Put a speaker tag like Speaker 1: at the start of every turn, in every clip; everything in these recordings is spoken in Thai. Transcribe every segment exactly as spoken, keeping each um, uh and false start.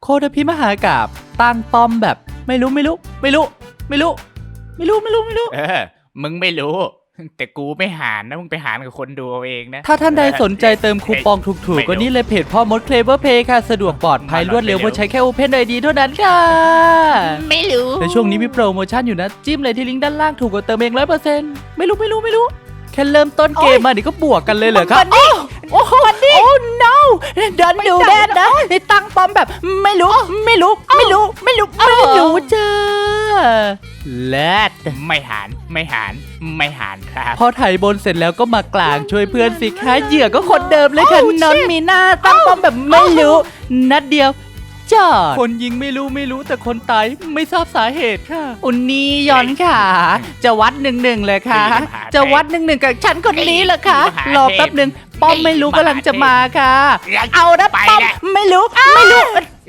Speaker 1: โคตรพิมหากาบตั้งป้อมแบบไม่รู้ไม่รู้ไม่รู้ไม่รู้ไม่รู้ไม่รู้ไม่รู้
Speaker 2: เออมึงไม่รู้แต่กูไม่หารนะมึงไปหารกับคนดูเอาเองนะ
Speaker 1: ถ้าท่านใดสนใจเติมคูปองถูกๆก็นี่เลยเพจพ่อมดเคลเวอร์เพย์ค่ะสะดวกปลอดภัยรวดเร็วเพราะใช้แค่ Open ไอ ดี เท่านั้นค่ะ
Speaker 2: ไม่รู้
Speaker 1: ในช่วงนี้มีโปรโมชั่นอยู่นะจิ้มเลยที่ลิงก์ด้านล่างถูกกว่าเติมเองร้อยเปอร์เซ็นต์ไม่รู้ไม่รู้ไม่รู้แค่เริ่มต้นเกมมานี่ก็บวกกันเลยเหรอครับโอ้โหโอ้ no เดินดูแดนนะในตั้งป้อมแบบไม่รู้ไม่รู้ไม่รู้ไม่รู้ไม่รู้จ้าเลิศ
Speaker 2: ไม่หารไม่หารไม่หารครับ
Speaker 1: พอไถบนเสร็จแล้วก็มากลางช่วยเพื่อนสิคะเหยื่อก็คนเดิมเลยค่ะนอนมีหน้าตั้งป้อมแบบไม่รู้นัดเดียวจอดคนยิงไม่รู้ไม่รู้แต่คนตายไม่ทราบสาเหตุค่ะอุนนี่ย้อนค่ะจะวัดหนึ่งหนึ่งเลยค่ะจะวัดหนึ่งหนึ่งกับฉันคนนี้เหรอคะรอแป๊บหนึ่งป้อมไม่รู้กำลังจะมาค่ะเอานะป้อมไม่รู้ไม่รู้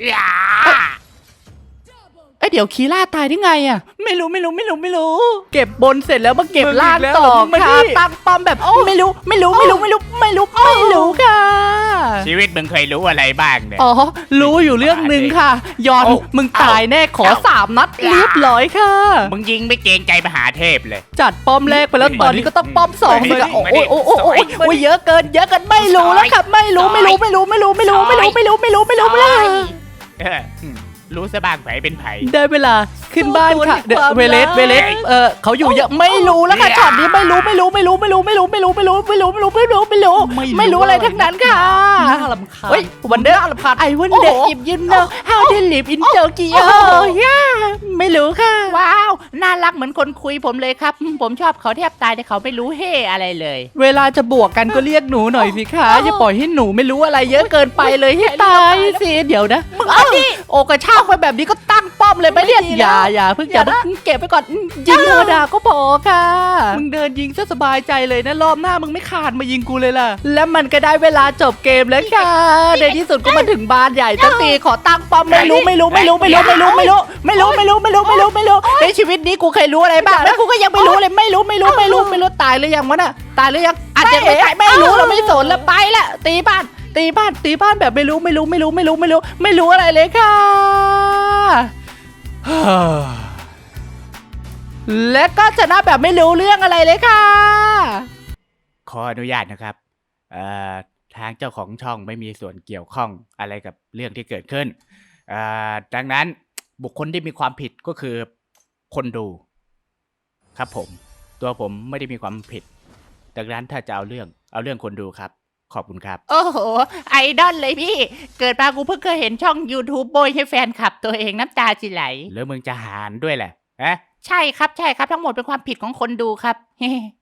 Speaker 1: เอ้ยเดี๋ยวคีล่าตายได้ไงอ่ะไม่รู้ไม่รู้ไม่รู้ไม่รู้เก็บบนเสร็จแล้วมาเก็บล่างต่อค่ะตั้งป้อมแบบไม่รู้ไม่รู้ไม่รู้ไม่รู้ไม่รู้ไม่รู้ค่ะ
Speaker 2: ชีวิตมึงเคยรู้อะไรบ้างเนี่ย
Speaker 1: อ๋อรู้อยู่เรื่องหนึ่งค่ะยอนมึงตายแน่ขอสามนัดเรียบร้อยค่ะ
Speaker 2: มึงยิงไม่เกรงใจมหาเทพเลย
Speaker 1: จัดป้อมแรกไปแล้วตอนนี้ก็ต้องป้อมสองเลยค่ะโอ้ยโอ้ยโอ้ยโอ้ยเยอะเกินเยอะเกินไม่รู้แล้วค่ะไม่รู้ไม่รู้ไม่รู้ไม่รู้ไม่รู้ไม่รู้ไม่รู้ไม่รู้ไม่รู้ไม่รู้
Speaker 2: รู้ซะบ้างไผเป็นไผ
Speaker 1: ได้เวลาขึ้นบ้านค่ะเวเลสเวเลสเออเขาอยู่เยอะไม่รู้แล้วค่ะช็อตนี้ไม่รู้ไม่รู้ไม่รู้ไม่รู้ไม่รู้ไม่รู้ไม่รู้ไม่รู้ไม่รู้ไม่รู้ไม่รู้ไม่รู้อะไรทั้งนั้นค่ะน่ารำคาญเฮ้ยวันเดอร์น่ารำคาญไอ้วันเดอร์อิบยินเนอร์ how they live in Tokyo ย่าไม่รู้ค่ะ
Speaker 2: ว้าวน่ารักเหมือนคนคุยผมเลยครับผมชอบเขาแทบตายแต่เขาไม่รู้เฮ่อะไรเลย
Speaker 1: เวลาจะบวกกันก็เรียกหนูหน่อยสิคะอย่าปล่อยให้หนูไม่รู้อะไรเยอะเกินไปเลยให้ตายสิเดี๋ยวนะมึงเอาดิโอกระชากไปแบบนี้ก็ตั้งป้อมเลยไม่เรียกอย่าอย่าเพิ่งอย่าเก็บไปก่อนยิงธรรมดาก็พอค่ะมึงเดินยิงซะสบายใจเลยนะรอบหน้ามึงไม่ขาดมายิงกูเลยล่ะแล้วมันก็ได้เวลาจบเกมแล้วค่ะในที่สุดก็มาถึงบ้านใหญ่ตั้งตีขอตั้งป้อมไม่รู้ไม่รู้ไม่รู้ไม่รู้ไม่รู้ไม่รู้ไม่รู้ไม่รู้ไม่รู้ไม่รู้ไม่รู้ในชีวิตนี้กูเคยรู้อะไรบ้างแล้วกูก็ยังไม่รู้เลยไม่รู้ไม่รู้ไม่รู้ไม่รู้ตายหรือยังวะน่ะตายหรือยังอาจจะไม่ตายไม่รู้เราไม่สนแล้วไปละตีบ้านตีบ้านตีบ้านแบบไม่รู้ไม่รู้ไม่รู้ไม่รู้ไม่รู้ไม่รู้อะไรเลยค่ะและก็ชนะแบบไม่รู้เรื่องอะไรเลยค่ะ
Speaker 2: ขออนุญาตนะครับเอ่อทางเจ้าของช่องไม่มีส่วนเกี่ยวข้องอะไรกับเรื่องที่เกิดขึ้นเอ่อดังนั้นบุคคลที่มีความผิดก็คือคนดูครับผมตัวผมไม่ได้มีความผิดดังนั้นถ้าจะเอาเรื่องเอาเรื่องคนดูครับขอบคุณครับ
Speaker 1: โอ้โหไอดอลเลยพี่เกิดมากูเพิ่งเคยเห็นช่อง YouTube โบยให้แฟนคลับตัวเองน้ำตาจิไหล
Speaker 2: แล้วมึงจะหารด้วยแหละฮะ
Speaker 1: ใช่ครับใช่ครับทั้งหมดเป็นความผิดของคนดูครับ